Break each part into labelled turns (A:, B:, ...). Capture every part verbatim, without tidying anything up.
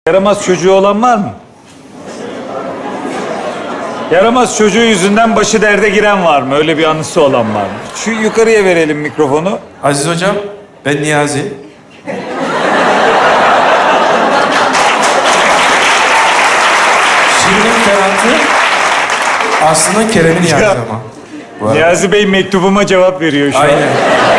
A: Yaramaz çocuğu olan var mı? Yaramaz çocuğu yüzünden başı derde giren var mı? Öyle bir anısı olan var mı? Şu yukarıya verelim mikrofonu.
B: Aziz hocam, ben Niyazi. Şirin'in Ferhat'ı aslında Kerem'in Niyazi
A: Ya.
B: ama. Bu arada.
A: Niyazi Bey mektubuma cevap veriyor şu an.
B: Aynen.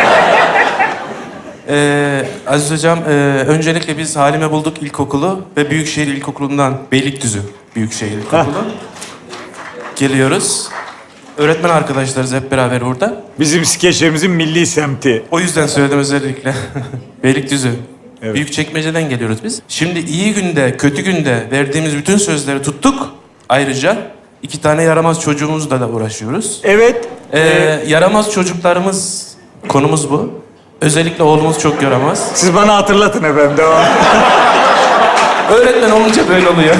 B: Ee, Aziz hocam, e, öncelikle biz Halime Bulduk İlkokulu ve Büyükşehir İlkokulu'ndan, Beylikdüzü Büyükşehir İlkokulu geliyoruz. Öğretmen arkadaşlarız hep beraber burada.
A: Bizim skeçlerimizin milli semti.
B: O yüzden söyledim özellikle. Beylikdüzü.
A: Evet.
B: Büyükçekmece'den geliyoruz biz. Şimdi iyi günde, kötü günde verdiğimiz bütün sözleri tuttuk. Ayrıca iki tane yaramaz çocuğumuzla da uğraşıyoruz.
A: Evet.
B: Ee, yaramaz çocuklarımız, konumuz bu. Özellikle oğlumuz çok yaramaz.
A: Siz bana hatırlatın efendim. Devam.
B: Öğretmen olunca böyle oluyor.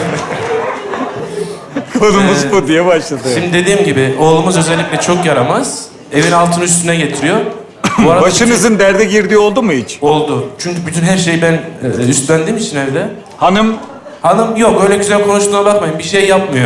A: Konumuz
B: Ee,
A: bu diye başladı.
B: Şimdi dediğim gibi oğlumuz özellikle çok yaramaz. Evin altını üstüne getiriyor. Bu arada
A: Başınızın derde girdiği oldu mu hiç?
B: oldu. Çünkü bütün her şeyi ben e, üstlendiğim için evde.
A: Hanım
B: Hanım yok öyle güzel konuştuğuna bakmayın. Bir şey yapmıyor.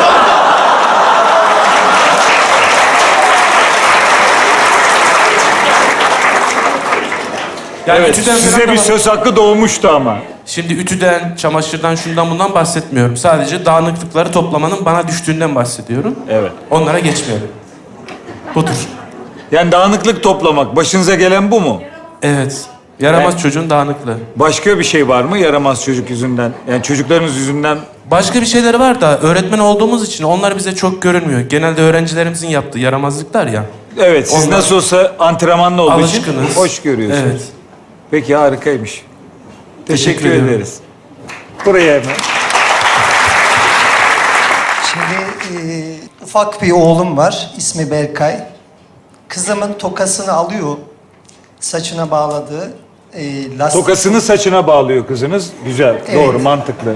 B: Yani
A: evet,
B: ütüden
A: size
B: falan da
A: bir
B: bak-
A: söz hakkı doğmuştu ama.
B: Şimdi ütüden, çamaşırdan, şundan bundan bahsetmiyorum. Sadece dağınıklıkları toplamanın bana düştüğünden bahsediyorum.
A: Evet.
B: Onlara geçmeyelim. Budur.
A: Yani dağınıklık toplamak. Başınıza gelen bu mu?
B: Evet. Yaramaz
A: Evet.
B: çocuğun dağınıklığı.
A: Başka bir şey var mı yaramaz çocuk yüzünden? Yani çocuklarınız yüzünden
B: Başka bir şeyleri var da öğretmen olduğumuz için onlar bize çok görünmüyor. Genelde öğrencilerimizin yaptığı yaramazlıklar ya.
A: evet, siz
B: Onlar-
A: nasıl olsa antrenmanlı olduğu için
B: Alışkınız.
A: hoş görüyorsunuz.
B: Evet.
A: Peki harikaymış. Teşekkür,
B: Teşekkür ediyorum.
A: ederiz. Buraya hemen.
C: Şimdi e, ufak bir oğlum var, ismi Berkay. Kızımın tokasını alıyor, saçına bağladığı e, lastik.
A: Tokasını saçına bağlıyor kızınız. Güzel,
C: Evet.
A: doğru, mantıklı.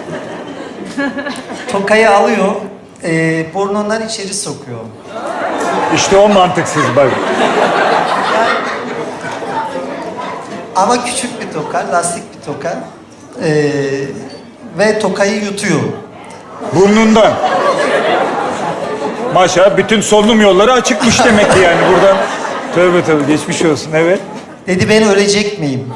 C: Tokayı alıyor, e, burnundan içeri sokuyor.
A: İşte o mantıksız bak.
C: Ama küçük bir toka, lastik bir toka. E, ve tokayı yutuyor.
A: Burnundan. Maşallah bütün solunum yolları açıkmış demek ki yani buradan. Tövbe tövbe geçmiş olsun, evet.
C: Dedi ben ölecek miyim?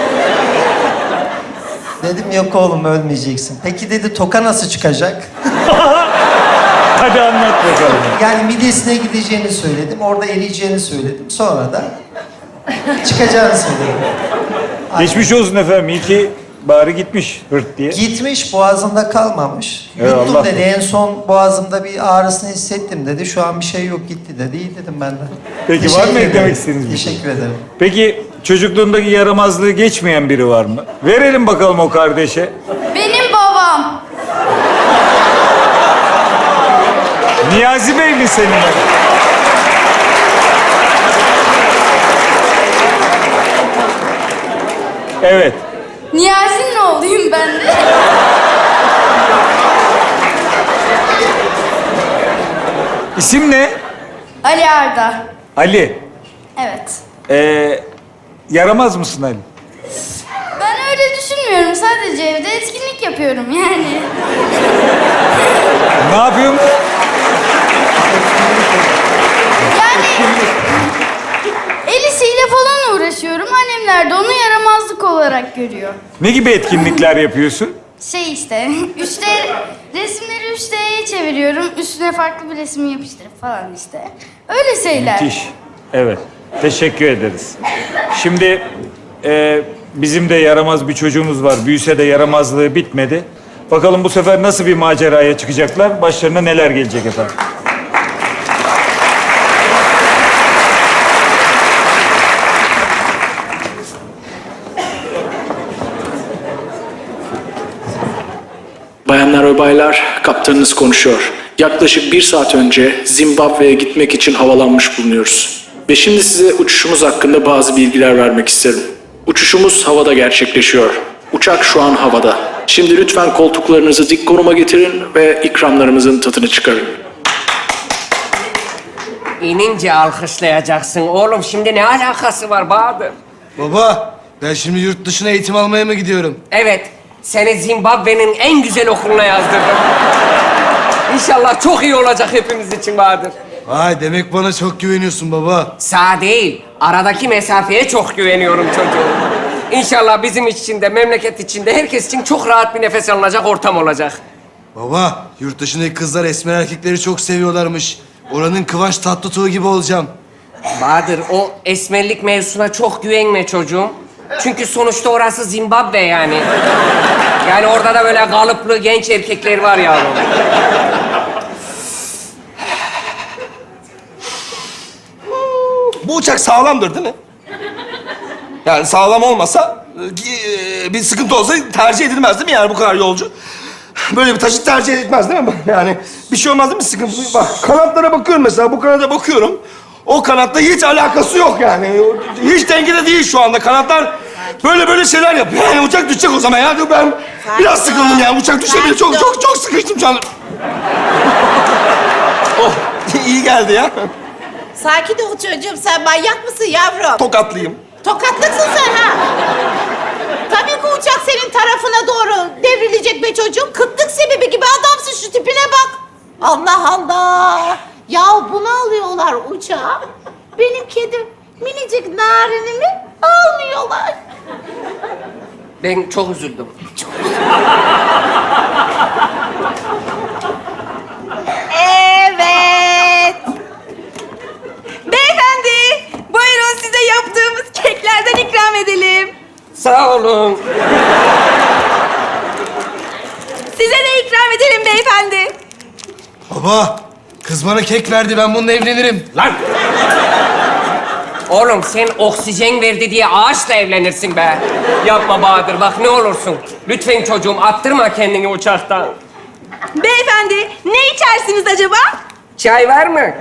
C: Dedim yok oğlum ölmeyeceksin. Peki dedi toka nasıl çıkacak?
A: Hadi anlat bakalım.
C: Yani midesine gideceğini söyledim, orada eriyeceğini söyledim. Sonra da çıkacağını söyledim.
A: Geçmiş olsun efendim. İyi ki bari gitmiş hırt diye.
C: Gitmiş, boğazında kalmamış.
A: Eyvallah.
C: Yuttum dedi, en son boğazımda bir ağrısını hissettim dedi. Şu an bir şey yok gitti dedi. İyi dedim ben de.
A: Peki,
C: Teşekkür
A: var mı
C: ederim.
A: eklemek istediğiniz bir şey?
C: Teşekkür ederim.
A: Peki çocukluğundaki yaramazlığı geçmeyen biri var mı? Verelim bakalım o kardeşe.
D: Benim babam.
A: Niyazi Bey mi senin? Evet.
D: Niyazi'nin oğluyum ben de.
A: İsim ne?
D: Ali Arda.
A: Ali.
D: Evet.
A: Ee, yaramaz mısın Ali?
D: Ben öyle düşünmüyorum. Sadece evde etkinlik yapıyorum yani.
A: Ne yapıyorsun?
D: Yani el işiyle falan uğraşıyorum. Annemler de onu yaramazlık olarak görüyor.
A: Ne gibi etkinlikler yapıyorsun?
D: Şey işte, üç D resimleri üç D'ye çeviriyorum. Üstüne farklı bir resim yapıştırıp falan işte. Öyle şeyler.
A: Müthiş. Evet. Teşekkür ederiz. Şimdi e, bizim de yaramaz bir çocuğumuz var. Büyüse de yaramazlığı bitmedi. Bakalım bu sefer nasıl bir maceraya çıkacaklar? Başlarına neler gelecek efendim?
E: Bayanlar ve baylar, kaptanınız konuşuyor. Yaklaşık bir saat önce Zimbabwe'ye gitmek için havalanmış bulunuyoruz. Ve şimdi size uçuşumuz hakkında bazı bilgiler vermek isterim. Uçuşumuz havada gerçekleşiyor. Uçak şu an havada. Şimdi lütfen koltuklarınızı dik konuma getirin ve ikramlarımızın tadını çıkarın.
F: İnince alkışlayacaksın. Oğlum şimdi ne alakası var Bahadır?
G: Baba, ben şimdi yurt dışına eğitim almaya mı gidiyorum?
F: Evet, Seni Zimbabwe'nin en güzel okuluna yazdırdım. İnşallah çok iyi olacak hepimiz için Bahadır.
G: Vay demek bana çok güveniyorsun baba.
F: Sağ değil, aradaki mesafeye çok güveniyorum çocuğum. İnşallah bizim için de, memleket için de, herkes için çok rahat bir nefes alınacak ortam olacak.
G: Baba yurt dışındaki kızlar esmer erkekleri çok seviyorlarmış. Oranın Kıvanç Tatlıtuğ gibi olacağım.
F: Bahadır, o esmerlik mevzusuna çok güvenme çocuğum. Çünkü sonuçta orası Zimbabwe yani. Yani orada da böyle kalıplı genç erkekler var yavrum.
H: Bu uçak sağlamdır değil mi? Yani sağlam olmasa e, bir sıkıntı olsa tercih edilmez değil mi yani bu kadar yolcu? Böyle bir taşıt tercih edilmez değil mi? Yani bir şey olmaz değil mi sıkıntı? Bak kanatlara bakıyorum mesela bu kanada bakıyorum. O kanatla hiç alakası yok yani. Hiç dengede değil şu anda. Kanatlar böyle böyle şeyler yapıyor. Yani uçak düşecek o zaman ya. Ben biraz sıkıldım yani. Uçak düşebilir. Çok çok çok sıkıştım şu anda. Oh iyi geldi ya.
I: Sakin ol çocuğum, sen manyak mısın yavrum?
H: Tokatlıyım.
I: Tokatlıksın sen ha. Tabii ki uçak senin tarafına doğru devrilecek be çocuğum. Kıtlık sebebi gibi adamsın, şu tipine bak. Allah Allah. Ya bunu alıyorlar uçağa. Benim kedim minicik narinimi almıyorlar.
F: Ben çok üzüldüm.
I: Evet. Beyefendi, buyurun size yaptığımız keklerden ikram edelim.
F: Sağ olun.
I: Size de ikram edelim beyefendi.
G: Baba kız bana kek verdi ben bununla evlenirim.
F: Lan! Oğlum sen oksijen verdi diye ağaçla evlenirsin be. Yapma Bahadır, bak ne olursun. Lütfen çocuğum, attırma kendini uçaktan.
I: Beyefendi, ne içersiniz acaba?
F: Çay var mı?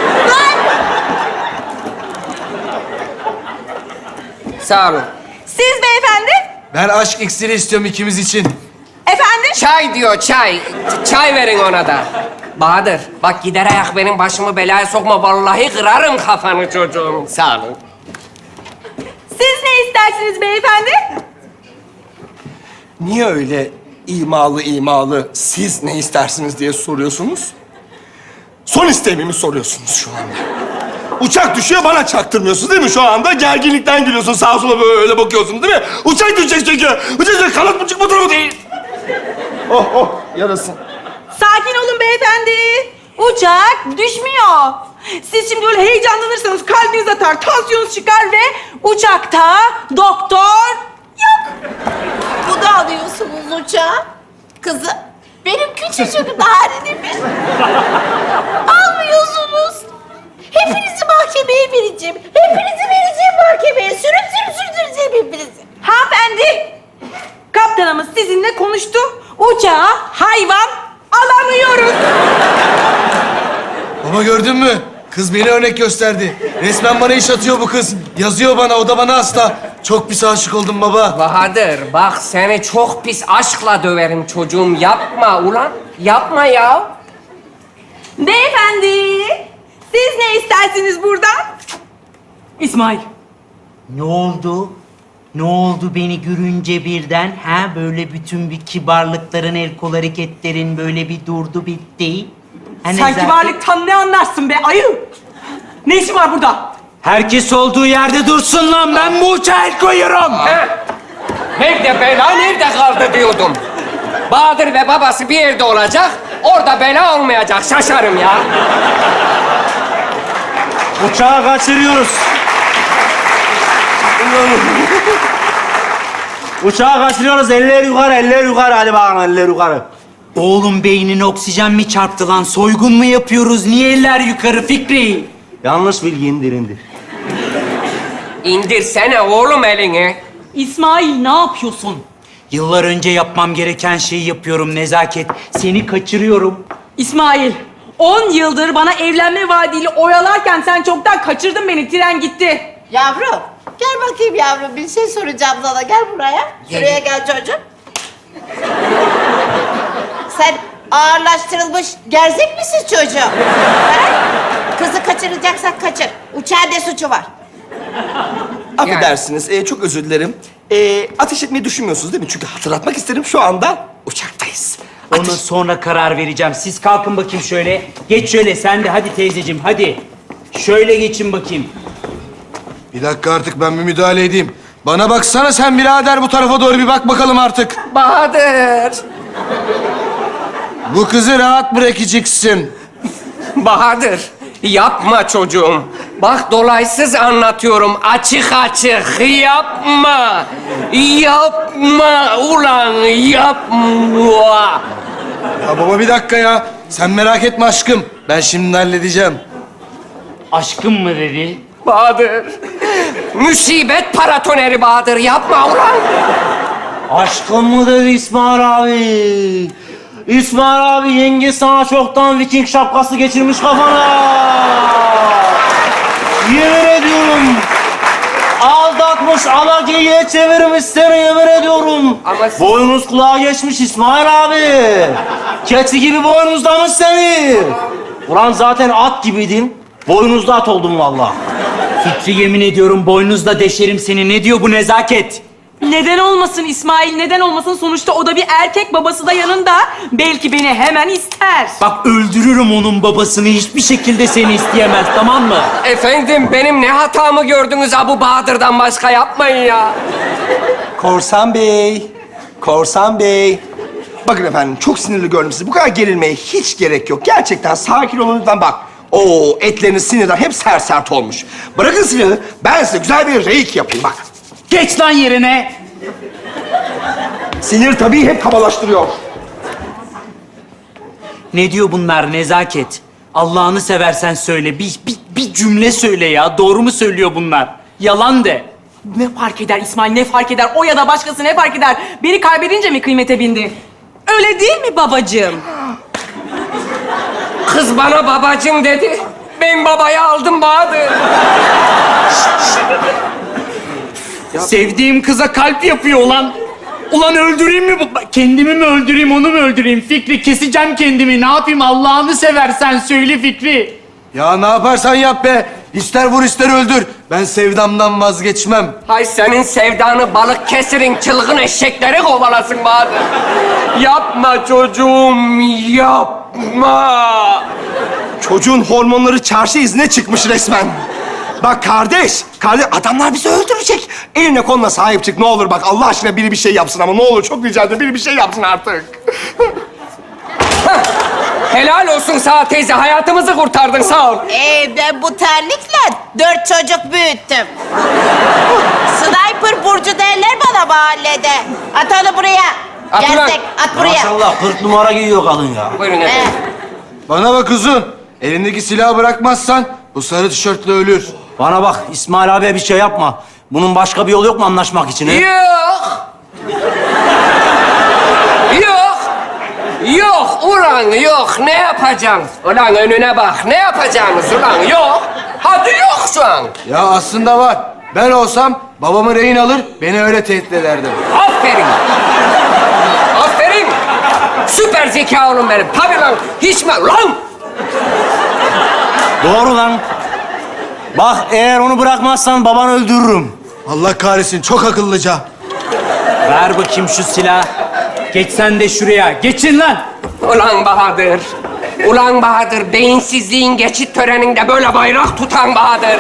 F: Sağ olun.
I: Siz beyefendi?
G: Ben aşk iksiri istiyorum ikimiz için.
I: Efendim?
F: Çay diyor, çay. Ç- Çay verin ona da. Bahadır, bak gider ayak benim başımı belaya sokma. Vallahi kırarım kafanı çocuğum. Sağ olun.
I: Siz ne istersiniz beyefendi?
H: Niye öyle imalı imalı siz ne istersiniz diye soruyorsunuz? Son isteğimi mi soruyorsunuz şu anda? Uçak düşüyor bana çaktırmıyorsunuz değil mi şu anda? Gerginlikten gülüyorsun sağa sola böyle bakıyorsun değil mi? Uçak düşecek çünkü. Uçak düşecek kanat buçuk bu tarafa değil. Oh oh yarasın.
I: Sakin olun beyefendi. Uçak düşmüyor. Siz şimdi böyle heyecanlanırsanız kalbiniz atar, tansiyonunuz çıkar ve uçakta doktor yok. Bu da alıyorsunuz uçağa. Kızım, benim küçücük narinimi almıyorsunuz. Hepinizi mahkemeye vereceğim. Hepinizi vereceğim mahkemeye. Sürüp sürüp sürdüreceğim hepinizi. Hanımefendi, kaptanımız sizinle konuştu. Uçağa hayvan alamıyoruz.
G: Baba gördün mü? Kız beni örnek gösterdi. Resmen bana iş atıyor bu kız. Yazıyor bana, o da bana hasta. Çok pis aşık oldum baba.
F: Bahadır, bak seni çok pis aşkla döverim çocuğum. Yapma ulan, yapma ya.
I: Beyefendi, siz ne istersiniz buradan? İsmail.
J: Ne oldu? Ne oldu beni görünce birden? Ha böyle bütün bir kibarlıkların, el kol hareketlerin böyle bir durdu bitti. Ha,
I: Sen
J: nezaket-
I: kibarlıktan ne anlarsın be ayı? Ne işin var burada?
J: Herkes olduğu yerde dursun lan, ben bu uçağa el koyuyorum.
F: Ha? Nerede bela, nerede kaldı diyordum. Bahadır ve babası bir yerde olacak, orada bela olmayacak. Şaşarım ya.
J: Uçağı kaçırıyoruz. Uçağı kaçırıyoruz, eller yukarı, eller yukarı. Hadi bakalım, eller yukarı. Oğlum beynine oksijen mi çarptı lan? Soygun mu yapıyoruz? Niye eller yukarı Fikri? Yanlış bilgi, indir indir.
F: İndirsene oğlum elini.
I: İsmail ne yapıyorsun?
J: Yıllar önce yapmam gereken şeyi yapıyorum Nezaket. Seni kaçırıyorum.
I: İsmail, on yıldır bana evlenme vaadiyle oyalarken sen çoktan kaçırdın beni, tren gitti.
K: Yavrum, gel bakayım yavrum. Bir şey soracağım sana. Gel buraya. Şuraya gel çocuğum. Sen ağırlaştırılmış gerzek misin çocuğum? Ha? Kızı kaçıracaksak kaçır. Uçağın ne suçu var?
H: Affedersiniz, e, çok özür dilerim. Ee, ateş etmeyi düşünmüyorsunuz değil mi? Çünkü hatırlatmak isterim şu anda uçaktayız.
J: Ona
H: Ateş...
J: sonra karar vereceğim. Siz kalkın bakayım şöyle. Geç şöyle sen de hadi teyzeciğim hadi. Şöyle geçin bakayım.
G: Bir dakika artık ben bir müdahale edeyim. Bana baksana sen birader bu tarafa doğru bir bak bakalım artık.
F: Bahadır.
G: Bu kızı rahat bırakacaksın.
F: Bahadır. Yapma çocuğum. Bak dolaysız anlatıyorum. Açık açık. Yapma. Yapma ulan yapma.
G: Ya baba bir dakika ya. Sen merak etme aşkım. Ben şimdi halledeceğim.
J: Aşkım mı dedi?
F: Bahadır. Musibet paratoneri Bahadır. Yapma ulan.
J: Aşkım mı dedi İsmail abi? İsmail abi yenge sana çoktan Viking şapkası geçirmiş kafana. Yemin ediyorum. Aldatmış, alagiye çevirmiş seni yemin ediyorum.
F: Ama siz-
J: Boynuz kulağa geçmiş İsmail abi. Keçi gibi boynuzlamış seni. Ulan zaten at gibiydin. Boynuzda at oldun vallahi. Fikri yemin ediyorum boynuzla deşerim seni. Ne diyor bu nezaket?
L: Neden olmasın İsmail, neden olmasın? Sonuçta o da bir erkek, babası da yanında. Belki beni hemen ister.
J: Bak öldürürüm onun babasını. Hiçbir şekilde seni isteyemez, tamam mı?
F: Efendim benim ne hatamı gördünüz Abu Bahadır'dan başka yapmayın ya.
H: Korsan Bey, Korsan Bey. Bakın efendim, çok sinirli gördüm sizi. Bu kadar gerilmeye hiç gerek yok. Gerçekten sakin olun lütfen bak. Oo, etleriniz sinirden hep sert sert olmuş. Bırakın silahı, ben size güzel bir reik yapayım bak.
J: Geç lan yerine.
H: Sinir tabii hep kabalaştırıyor.
J: Ne diyor bunlar nezaket? Allah'ını seversen söyle. Bir, bir, bir cümle söyle ya. Doğru mu söylüyor bunlar? Yalan de.
L: Ne fark eder İsmail, ne fark eder? O ya da başkası ne fark eder? Beni kaybedince mi kıymete bindi? Öyle değil mi babacığım?
F: Kız bana babacığım dedi. Ben babaya aldım Bahadır.
J: Sevdiğim kıza kalp yapıyor ulan. Ulan öldüreyim mi bu? Kendimi mi öldüreyim, onu mu öldüreyim? Fikri keseceğim kendimi. Ne yapayım Allah'ını seversen söyle Fikri.
G: Ya ne yaparsan yap be. İster vur ister öldür. Ben sevdamdan vazgeçmem.
F: Hay senin sevdanı balık kesirin çılgın eşekleri kovalasın Bahadır. Yapma çocuğum, yapma.
H: Çocuğun hormonları çarşı izine çıkmış resmen. Bak kardeş, kardeş adamlar bizi öldürecek. Eline koluna sahip çık ne olur bak Allah aşkına biri bir şey yapsın ama ne olur çok rica ederim biri bir şey yapsın artık.
F: Helal olsun sağ teyze, hayatımızı kurtardın sağ ol.
K: Ee, ben bu terlikle dört çocuk büyüttüm. Sniper Burcu derler bana mahallede. At onu buraya.
F: At ulan.
K: Gerçek, at buraya.
J: Maşallah kırk numara giyiyor kadın ya.
F: Buyurun
K: Ee,
F: efendim.
G: Bana bak uzun. Elindeki silahı bırakmazsan bu sarı tişörtlü ölür.
J: Bana bak İsmail abiye bir şey yapma. Bunun başka bir yolu yok mu anlaşmak için? He?
F: Yok. Yok. Yok ulan yok. Ne yapacaksın? Ulan önüne bak. Ne yapacaksınız ulan? Yok. Hadi yok şu an.
G: Ya aslında var. Ben olsam babamı rehin alır, beni öyle tehdit ederdim.
F: Aferin. Aferin. Süper zeka oğlum benim. Tabii lan. Hiç mi? Lan.
J: Doğru lan. Bak eğer onu bırakmazsan babanı öldürürüm.
G: Allah kahretsin, çok akıllıca.
J: Ver bakayım şu silahı. Geç sen de şuraya. Geçin lan.
F: Ulan Bahadır. Ulan Bahadır. Beyinsizliğin geçit töreninde böyle bayrak tutan Bahadır.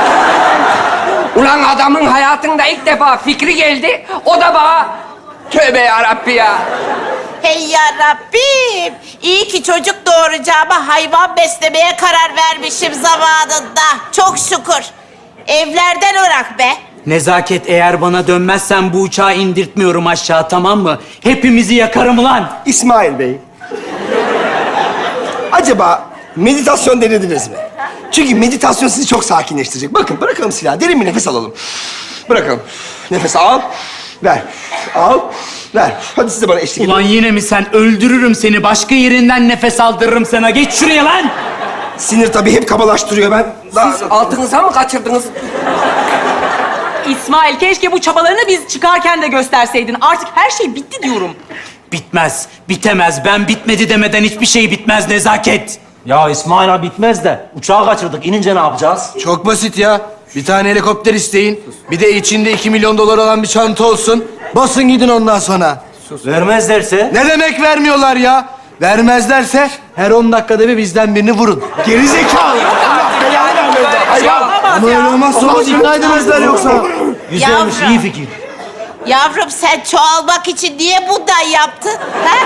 F: Ulan adamın hayatında ilk defa fikri geldi. O da bana tövbe yarabbi ya.
K: hey ya Rabbim. İyi ki çocuk doğuracağıma hayvan beslemeye karar vermişim zamanında. Çok şükür. Evlerden ırak be.
J: Nezaket eğer bana dönmezsen bu uçağı indirtmiyorum aşağı tamam mı? Hepimizi yakarım lan.
H: İsmail Bey. Acaba meditasyon denediniz mi? Çünkü meditasyon sizi çok sakinleştirecek. Bakın bırakalım silahı, derin bir nefes alalım. Bırakalım. Nefes al, ver. Al, ver. Hadi siz de bana eşlik edin.
J: Ulan yine mi sen? Öldürürüm seni. Başka yerinden nefes aldırırım sana. Geç şuraya lan.
H: Sinir tabii hep kabalaştırıyor ben. Daha...
F: Siz altınıza mı kaçırdınız?
L: İsmail keşke bu çabalarını biz çıkarken de gösterseydin. Artık her şey bitti diyorum.
J: Bitmez, bitemez. Ben bitmedi demeden hiçbir şey bitmez Nezaket. Ya İsmail abi bitmez de uçağı kaçırdık. İnince ne yapacağız?
G: Çok basit ya. Bir tane helikopter isteyin. Bir de içinde iki milyon dolar olan bir çanta olsun. Basın gidin ondan sonra.
J: Vermezlerse?
G: Ne demek vermiyorlar ya? Vermezlerse her on dakikada bir bizden birini vurun. Geri zekalı. Ama öyle olmazsa olmaz. İkna edemezler yoksa.
J: Güzelmiş,
K: Yavrum.
J: iyi fikir.
K: Yavrum sen çoğalmak için niye bundan yaptın? Ha?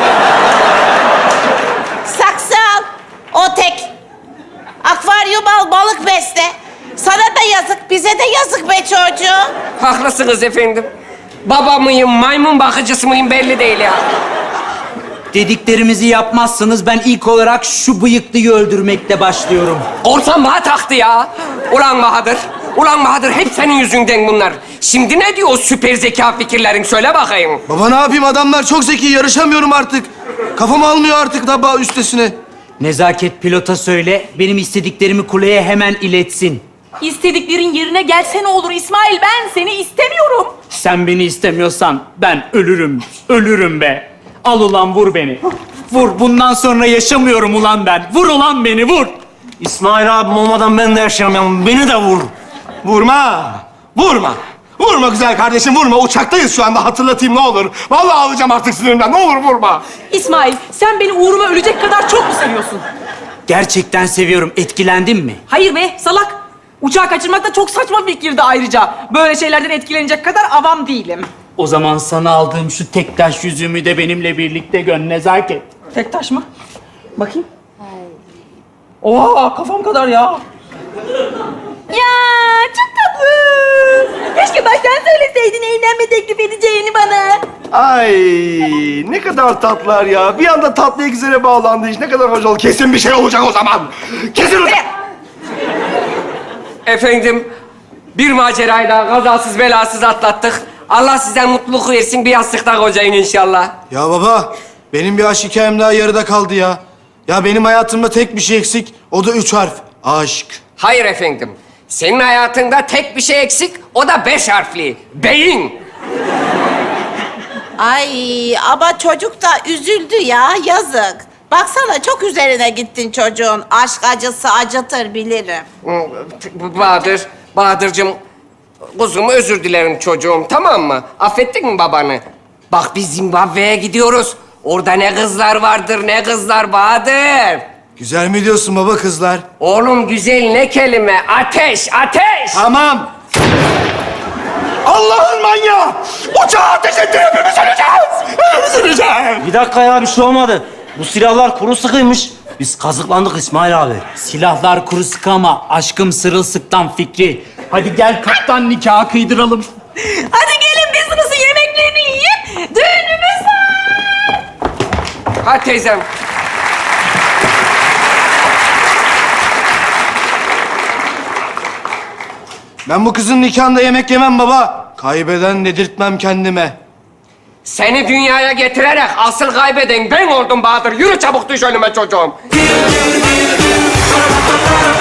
K: Saksı al. O tek. Akvaryum al, balık besle. Sana da yazık, bize de yazık be çocuğum.
F: Haklısınız efendim. Baba mıyım, maymun bakıcısı mıyım belli değil ya.
J: Dediklerimizi yapmazsanız ben ilk olarak şu bıyıklıyı öldürmekle başlıyorum.
F: Korsan bana taktı ya. Ulan Bahadır, ulan Bahadır hep senin yüzünden bunlar. Şimdi ne diyor o süper zeka fikirlerin söyle bakayım.
G: Baba ne yapayım, adamlar çok zeki, yarışamıyorum artık. Kafam almıyor artık da bağ üstesine.
J: Nezaket pilota söyle, benim istediklerimi kuleye hemen iletsin.
L: İstediklerin yerine gelse ne olur İsmail? Ben seni istemiyorum.
J: Sen beni istemiyorsan ben ölürüm, ölürüm be. Al ulan vur beni. Vur, bundan sonra yaşamıyorum ulan ben. Vur ulan beni, vur.
H: İsmail abim olmadan ben de yaşayamam. Beni de vur. Vurma. Vurma. Vurma güzel kardeşim, vurma. Uçaktayız şu anda, hatırlatayım ne olur. Vallahi alacağım artık sinirimden. Ne olur vurma.
L: İsmail, sen beni uğruma ölecek kadar çok mu seviyorsun?
J: Gerçekten seviyorum. Etkilendin mi?
L: Hayır be, salak. Uçağı kaçırmak da çok saçma fikirdi ayrıca. Böyle şeylerden etkilenecek kadar avam değilim.
J: O zaman sana aldığım şu tek taş yüzüğümü de benimle birlikte gön Nezaket.
L: Tek taş mı? Bakayım. Oha, kafam kadar ya. Ya çok tatlı. Keşke baştan söyleseydin evlenme teklif edeceğini bana.
H: Ay ne kadar tatlılar ya. Bir anda tatlıya güzele bağlandı iş. Ne kadar hoş oldu. Kesin bir şey olacak o zaman. Kesin olacak.
F: Efendim, bir macerayı da kazasız belasız atlattık. Allah size mutluluk versin, bir yastıkta kocayın inşallah.
G: Ya baba, benim bir aşk hikayem daha yarıda kaldı ya. Ya benim hayatımda tek bir şey eksik, o da üç harf. Aşk.
F: Hayır efendim, senin hayatında tek bir şey eksik, o da beş harfli. Beyin.
K: Ay ama çocuk da üzüldü ya, yazık. Baksana çok üzerine gittin çocuğun. Aşk acısı acıtır bilirim.
F: Bahadır, Bahadır'cığım, kuzum özür dilerim çocuğum, tamam mı? Affettin mi babanı? Bak biz Zimbabwe'ye gidiyoruz. Orada ne kızlar vardır, ne kızlar Bahadır.
G: Güzel mi diyorsun baba kızlar?
F: Oğlum güzel ne kelime? Ateş, ateş!
G: Tamam.
H: Allah'ın manyağı. Uçağı ateş etti, hepimiz öleceğiz. Hepimiz öleceğiz.
J: Bir dakika ya, bir şey olmadı. Bu silahlar kuru sıkıymış. Biz kazıklandık İsmail abi. Silahlar kuru sıkı ama aşkım sırılsıktan Fikri. Hadi gel kaptan nikahı kıydıralım.
L: Hadi gelin business'ın yemeklerini yiyip düğünümüz var.
F: Ha teyzem.
G: Ben bu kızın nikahında yemek yemem baba. Kaybeden dedirtmem kendime.
F: Seni dünyaya getirerek asıl kaybeden ben oldum Bahadır. Yürü çabuk düş önüme çocuğum.